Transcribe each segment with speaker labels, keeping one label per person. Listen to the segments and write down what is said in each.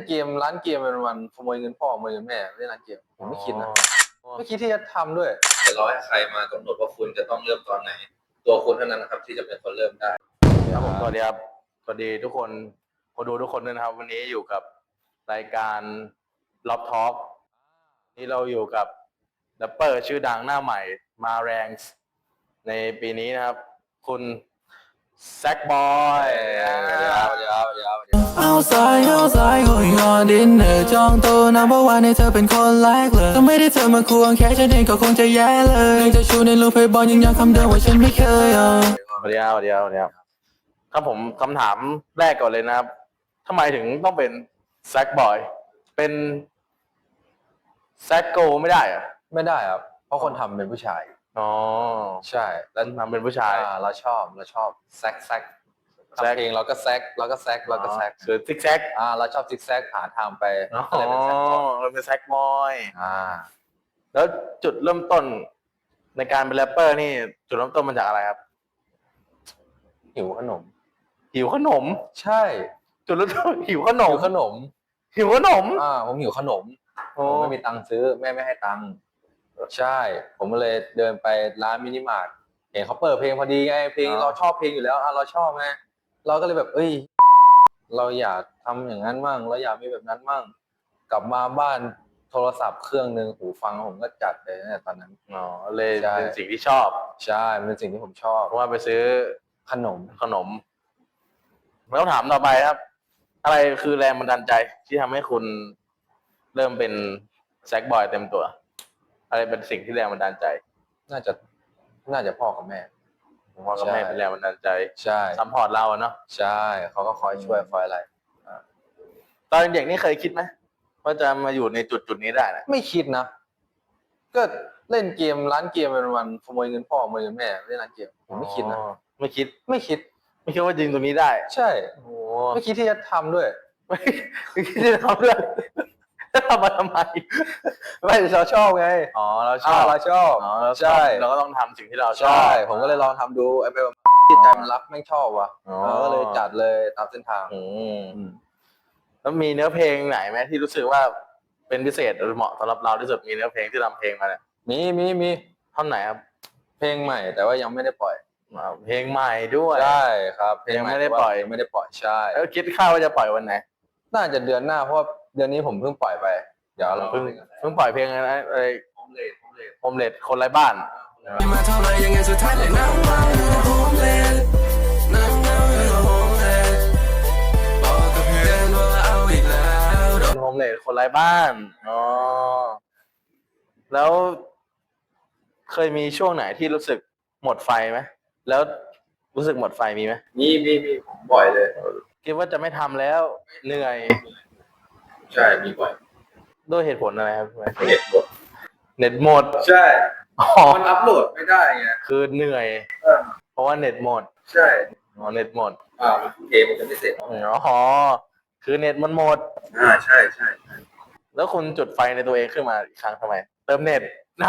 Speaker 1: เกมร้านเกมเป็นวันขโมยเงินพ่อขโมยเงินแม่เล่นร้านเกมผมไม่คิดนะไม่คิดที่จะทำด้วยแต่เราให้ใครมากำหนดว่าคุณจะต้องเริ่มตอนไหนตัวคุณเท่านั้นนะครับที่จะเป็นคนเริ่มได้
Speaker 2: ครับผมสวัสดีครับสวัสดีทุกคนคนดูทุกคนด้วยนะครับวันนี้อยู่กับรายการล็อบทอล์กนี่เราอยู่กับแรปเปอร์ชื่อดังหน้าใหม่มาแรงในปีนี้นะครับคุณแซคบอย
Speaker 3: outside going on dinner จองโต๊ะ number one ให้เธอเป็นคนแรกเลยถ้าไม่ได้เธอมาควงแค่ฉันเองก็คงจะแย่เลยยังจะชูในรูปให้บอลยังย้ำคำเดิมว่าฉันไม่เคย
Speaker 2: สวัสดีครับครับผมคำถามแรกก่อนเลยนะครับทำไมถึงต้องเป็นแซคบอยเป็นแซคโกไม่ได้อะ
Speaker 1: ไม่ได้ครับเพราะคนทำเป็นผู้ชาย
Speaker 2: อ๋อ
Speaker 1: ใช่
Speaker 2: แล้วทำเป็นผู้ชาย
Speaker 1: เราชอบแซกทำเพลงเราก็แซก
Speaker 2: คือซิกแซก
Speaker 1: เราชอบซิกแซกหาทางไป
Speaker 2: ก็เลยเป็นแซคบอยแล้วจุดเริ่มต้นในการเป็นแรปเปอร์นี่จุดเริ่มต้นมาจากอะไรครับ
Speaker 1: หิวขนม
Speaker 2: ใช่จุดเริ่มต้นหิวขนมผมหิวขนมผม
Speaker 1: ไม่มีตังค์ซื้อแม่ไม่ให้ตังค์ใช่ผมก็เลยเดินไปร้านมินิมาร์ทเห็นเขาเปิดเพลงพอดีไงเพลงเราชอบเพลงอยู่แล้วเราชอบไงเราก็เลยแบบเราอยากทำอย่างนั้นมั่งเราอยากมีแบบนั้นมั่งกลับมาบ้านโทรศัพท์เครื่องนึงหูฟังผมก็จัดเลยตั้งแต่ตอนนั้น
Speaker 2: เลยเป็นสิ่งที่ชอบ
Speaker 1: ใช่เป็นสิ่งที่ผมชอบ
Speaker 2: เพราะว่าไปซื้อ
Speaker 1: ขนม
Speaker 2: แล้วถามต่อไปครับอะไรคือแรงบันดาลใจที่ทำให้คุณเริ่มเป็นแซคบอยเต็มตัวอะไรเป็นสิ่งที่แรงบันดาลใจ
Speaker 1: น่าจะพ่อกับแม่
Speaker 2: พ่อกับแม่เป็นแรงบันดาลใจ
Speaker 1: ใช่
Speaker 2: ซัพพอร์ตเราเนาะ
Speaker 1: ใช่เขาก็คอยช่วยคอยอะไร
Speaker 2: ตอนเด็กนี่เคยคิดไหมว่าจะมาอยู่ในจุดนี้ได้นะ
Speaker 1: ไม่คิดนะก็เล่นเกมร้านเกมเป็นวันขโมยเงินพ่อขโมยเงินแม่เล่นร้านเกมผมไม่คิดนะ
Speaker 2: ไม่คิดว่าจริงตรงนี้ได้
Speaker 1: ใช่ไม่คิดที่จะทำด้วย
Speaker 2: ไม่คิดที่จะทำด้วยทำมาทำไม
Speaker 1: ไม่เราชอบไง
Speaker 2: เราชอบ
Speaker 1: ใช่
Speaker 2: เราก็ต้องทำสิ่งที่เราชอบ
Speaker 1: ใช่ผมก็เลยลองทำดูไอ้แบบที่ใจมันรักแม่งชอบว่ะก็เลยจัดเลยตามเส้นทาง
Speaker 2: แล้วมีเนื้อเพลงไหนไหมที่รู้สึกว่าเป็นพิเศษหรือเหมาะสำหรับเราที่สุดมีเนื้อเพลงที่ทำเพลงมาเนี่ย
Speaker 1: มี
Speaker 2: ท่อนไหนครับ
Speaker 1: เพลงใหม่แต่ว่ายังไม่ได้ปล่อย
Speaker 2: เพลงใหม่ด้วย
Speaker 1: ใช่ครับ
Speaker 2: เพลงไม่ได้ปล่อย
Speaker 1: ใช่
Speaker 2: แล้วคิดค่าว่าจะปล่อยวันไหน
Speaker 1: น่าจะเดือนหน้าเพราะเดือนนี้ผมเพิ่งปล่อยไปเดี๋ยวเรา
Speaker 2: เพิ่งปล่อยเพลงอะไรโฮมเลดคนไร้บ้าน
Speaker 3: มาเท่าไรยังไงสุดท้ายเลยนั่งเมาอยู่โฮมเลดบอกกับเพื่อนว่าเอาอีกแล้ว
Speaker 2: โฮมเลดคนไร้บ้านแล้วเคยมีช่วงไหนที่รู้สึกหมดไฟไหมแล้วรู้สึกหมดไฟมีไหม
Speaker 1: มีผมบ่อยเลย
Speaker 2: คิดว่าจะไม่ทำแล้วเหนื่อย
Speaker 1: ใช่มีบ่อย
Speaker 2: ด้วยเหตุผลอะไรครับ
Speaker 1: เน็ตหมดใช่มันอัพโหลดไม่ได้ไง
Speaker 2: คือเหนื่อยเพราะว่าเน็ตหมด
Speaker 1: ใช่
Speaker 2: เน็ตหมด
Speaker 1: เกมมันจะไม่เสร็จ
Speaker 2: คือเน็ตมันหมด
Speaker 1: ใช่
Speaker 2: แล้วคุณจุดไฟในตัวเองขึ้นมาอีกครั้งทำไมเติมเน็ต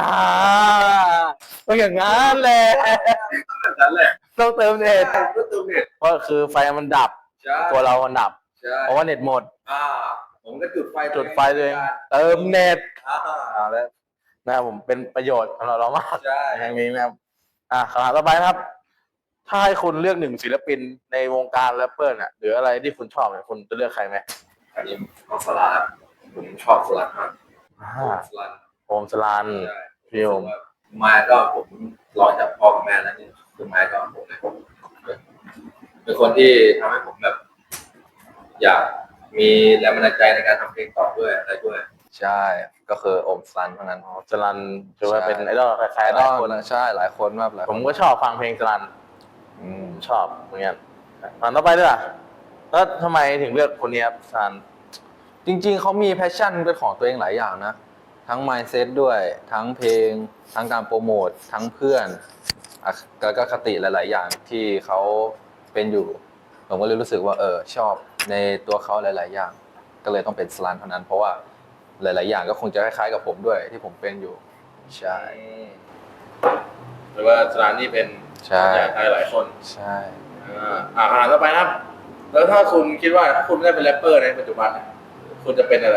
Speaker 2: ต้องอย่างนั้นแหละต้องเติมเน็ตเพราะคือไฟมันดับตัวเรามันดับเพราะว่าเน็ตหมด
Speaker 1: ผมก็จุดไฟ
Speaker 2: ตัวเองเติมเน็ตแล้วนะครับผมเป็นประโยชน์สำหรับเรามากแห่งนี้นะครับคำถามต่อไปนะครับถ้าให้คุณเลือกหนึ่งศิลปินในวงการแรปเปอร์น่ะหรืออะไรที่คุณชอบเนี่ยคุณจะเลือกใครไหม
Speaker 1: อันนี้ของสลัดผมชอบสลัดมาก
Speaker 2: โอมสลันพี่โอม
Speaker 1: มาก็ผมร้องจากพ่อกับแม่แล้วนี่คือมาก็ผมเลยเป็นคนที่ทำให้ผมแบบอยากมีแรงบันดาลใจในการทำเพลงต่อด้วยอะไรด้วยใช่ก็คือโอมสลันเท่านั้น
Speaker 2: สลันถือว่าเป็นไอดอลใครๆหลายคน
Speaker 1: ใช่หลายคนมาก
Speaker 2: ผมก็ชอบฟังเพลงสลันชอบเหมือนกันต่อไปด้วยแล้วทำไมถึงเลือกคนนี้ครับสลัน
Speaker 1: จริงๆเขามีแพชชั่นเป็นของตัวเองหลายอย่างนะทั้ง mindset ด้วยทั้งเพลงทั้งการโปรโมททั้งเพื่อนแล้วก็คติหลายๆอย่างที่เขาเป็นอยู่ผมก็เลยรู้สึกว่าชอบในตัวเขาหลายๆอย่างก็เลยต้องเป็นสลันเท่านั้นเพราะว่าหลายๆอย่างก็คงจะคล้ายๆกับผมด้วยที่ผมเป็นอยู่ใช่
Speaker 2: หรือว่าสลันนี่เป็นอย่างหลายคน
Speaker 1: ใช่
Speaker 2: ต่อไปนะครับแล้วถ้าคุณคิดว่าถ้าคุณไม่ได้เป็นแรปเปอร์ในปัจจุบันคุณจะเป็นอะไร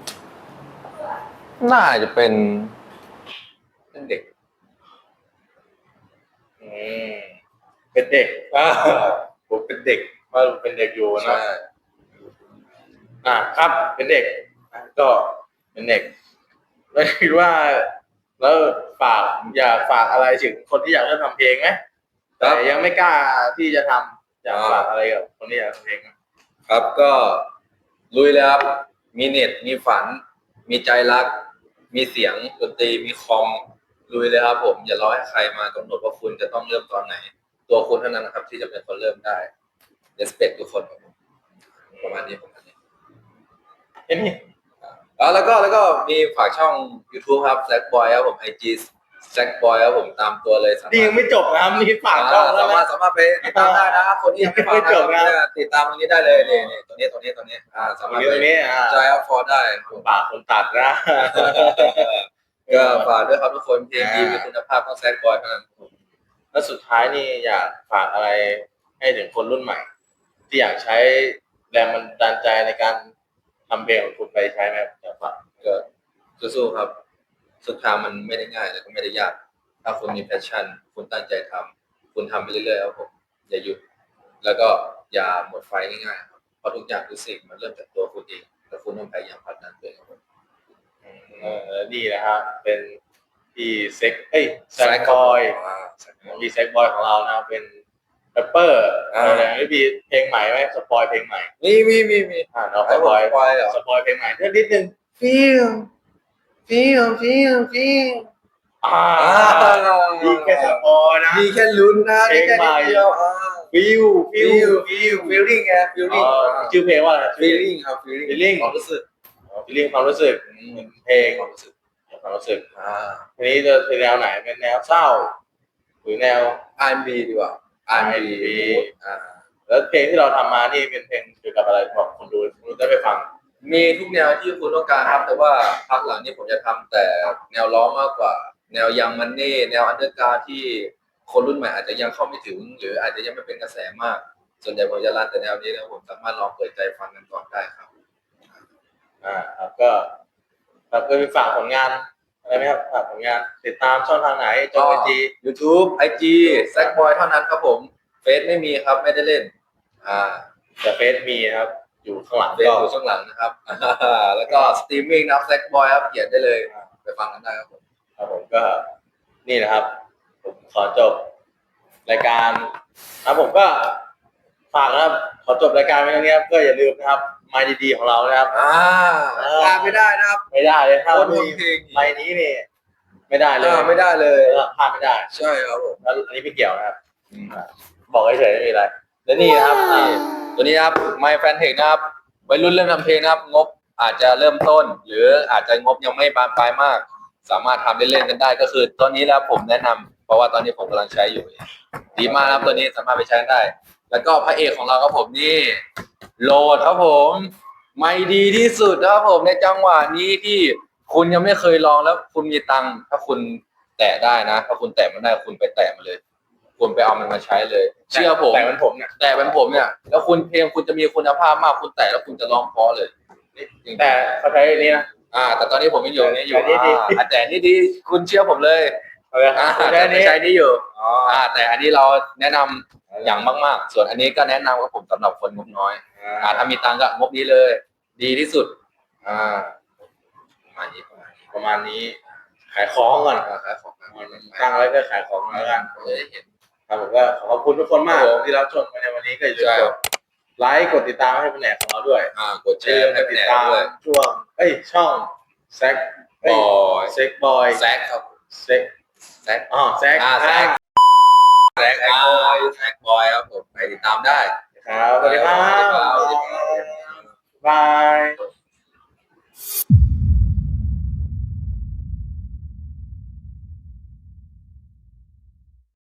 Speaker 1: น่าจะเป็น
Speaker 2: เด็กอืมเป็นเด็กผมเป็นเด็กว่าเป็นเด็กอยู่นะ ครับ เป็นเด็กก็เป็นเด็กแล้วคิดว่า แล้วอยากฝากอะไรถึงคนที่อยากเริ่มทำเพลงไหมแต่ยังไม่กล้าที่จะทำอยากฝากอะไรกับคนที่อยากทำเพลงไหม
Speaker 1: ครับก็ลุยเลยครับ มีเน็ต มีฝัน มีใจรัก มีเสียงดนตรี มีคอม ลุยเลยครับผม อย่ารอให้ใครมากำหนดว่าคุณจะต้องเริ่มตอนไหน ตัวคุณเท่านั้นนะครับ ที่จะเป็นคนเริ่มได้ respect ทุกคนครับผมประมาณนี้
Speaker 2: เห็นนี่
Speaker 1: แล้วก็มีฝากช่อง YouTube ครับ Zack Boy ครับผม IG Zack Boy ครับผมตามตัวเลยสามารถ
Speaker 2: นี่ยังไม่จบนะครับนี่ฝากช่องแล้วนะ
Speaker 1: สามารถไปติดตามได้นะคนที่ยังไม่ฟัง
Speaker 2: ไม่จบนะ
Speaker 1: ติดตามตรงนี้ได้เลยนี่ตัวนี้สามารถ
Speaker 2: ตรงนี้
Speaker 1: ใจอัพฟอร์ได้
Speaker 2: ปากคนตัดนะ
Speaker 1: ก็ฝากด้วยครับทุกคนเพลงดีมีคุณภาพต้องแซดบอยเท่านั้น
Speaker 2: แล้วสุดท้ายนี่อยากฝากอะไรให้ถึงคนรุ่นใหม่ ที่อยากใช้แรงบันดาลใจในการทำเพลงของคุณไปใช้ไหมอยากฝาก
Speaker 1: ก็สู้ๆครับสุดทางมันไม่ได้ง่ายแต่ก็ไม่ได้ยาก ถ้าคุณมีแพชชั่นคุณตั้งใจทำคุณทำไปเรื่อยๆครับผมอย่าหยุดแล้วก็อย่าหมดไฟง่ายๆครับเพราะทุกอย่างทุกสิ่งมันเริ่มจากตัวคุณเองแล้วคุณต้องพยายามผลักดันตัวเองครับผม
Speaker 2: นี่นะฮะเป็นพี่แซกบอยพี่แซกบอยของเรานะเป็นแรปเปอร์อะไรอย่างนี้มีเพลงใหม่ไหมสปอยเพลงใหม่
Speaker 1: มี
Speaker 2: เราสปอยเพลงใหม่เพื่อนิดนึง feel ดีแค่สปอยนะ
Speaker 1: มีแค่ลุ้นนะ
Speaker 2: เพลงใหม่
Speaker 1: เดียว
Speaker 2: feel
Speaker 1: feeling ไง feeling
Speaker 2: ชื่อเพลงว่าอะไร
Speaker 1: feeling ครับ
Speaker 2: feeling
Speaker 1: ความรู้สึก
Speaker 2: feeling ความรู้สึกเพลง
Speaker 1: ความรู้สึก
Speaker 2: ความรู้สึกทีนี้จะเป็นแนวไหนเป็นแนวเศร้าหรือแนว
Speaker 1: R&B ดีกว่า R&B
Speaker 2: แล้วเพลงที่เราทำมานี่เป็นเพลงเกี่ยวกับอะไรบอกคนดูได้ไปฟัง
Speaker 1: มีทุกแนวที่คุณต้องการครับแต่ว่าพักหลังนี้ผมจะทำแต่แนวร้องมากกว่า แนวยังมันเน่แนวอันเดอร์การ์ที่คนรุ่นใหม่อาจจะยังเข้าไม่ถึง หรืออาจจะยังไม่เป็นกระแสมาก ส่วนใหญ่ผมจะรันแต่แนวนี้แล้วผมสามารถลองเปิดใจฟังกันก่อนได้ครับ
Speaker 2: ครับก็มีฝากผลงานอะไรไหมครับฝากผลงานติดตามช่องทางไหนจอ IG
Speaker 1: YouTube IG Zack Boy เท่านั้นครับผมเฟซไม่มีครับไม่ได้เล่น
Speaker 2: แต่เฟซมีนะครับอยู่ข้างหลัง
Speaker 1: เฟซอยู่ข้างหลังนะครับแล้วก็สตรีมมิ่งนะครับ Zack Boy ครับเขียนได้เลยไปฟังกันได้ครับผม
Speaker 2: ก็นี่นะครับผมขอจบรายการนะผมก็ฝากนะครับขอจบรายการไว้ตรงนี้ครับก็อย่าลืมนะครับไมค์ดีๆของเรานะครับ
Speaker 1: พลาดไม่ได้นะครับ
Speaker 2: ไม่ได้เลยถ้า
Speaker 1: มี
Speaker 2: ไมค์นี้นี่ไม่ได้เลย
Speaker 1: ไม่ได้เลย
Speaker 2: พลาดไม่ได้
Speaker 1: ใช่ครับผม
Speaker 2: แล้วอันนี้ไม่เกี่ยวนะครับบอกเฉยๆไม่มีอะไรและนี่นะครับ
Speaker 1: ตัวนี้ครับไมค์แฟนเพจนะครับวัยรุ่นเริ่มทำเพลงนะครับงบอาจจะเริ่มต้น หรืออาจจะงบยังไม่บานปลายมากสามารถทำเล่นๆกันได้ก็คือตัวนี้แล้วผมแนะนำเพราะว่าตอนนี้ผมกำลังใช้อยู่ดีมากครับตัวนี้สามารถไปใช้ได้แล้วก็พระเอกของเราครับผมนี่โหลดครับผมไม่ดีที่สุดครับผมในจังหวะนี้ที่คุณยังไม่เคยลองแล้วคุณมีตังค์ถ้าคุณแตะได้นะถ้าคุณแตะมันได้คุณไปแตะมันเลยคุณไปเอามันมาใช้เลยเชื่อผม
Speaker 2: แต่เป็นผมเนี่ย
Speaker 1: แล้วคุณเพลงคุณจะมีคุณภาพมากคุณแตะแล้วคุณจะร้องเพราะเลย
Speaker 2: แต่เขาใช้นี้นะ
Speaker 1: แต่ตอนนี้ผมยังอยู่นี่อยู่แต่นี่ดีคุณเชื่อผมเลยใช้นี่อยู่แต่อันนี้เราแนะนำอย่างมากๆส่วนอันนี้ก็แนะนำกับผมสำหรับคนงบน้อยถ้ามีตังค์ก็งบนี้เลยดีที่สุด
Speaker 2: ประมาณนี้ขายของก่อน
Speaker 1: ขายของ
Speaker 2: ตั้งไว้ก็ขายของแล้วกัน
Speaker 1: เห็น
Speaker 2: ครับผมก็ขอบคุณทุกคนมากที่รับชมในวันนี้ก็อย่าลืมกดไลค์กดติดตามให้เป็นแหนกของเราด้วย
Speaker 1: กดแชร์ให้
Speaker 2: ติดตามช่วงช่องแซกบอย
Speaker 1: แซกครับ
Speaker 2: แซก
Speaker 1: แซกบอยครับผมไปติดตามได้
Speaker 2: ครับสวัสดีครับ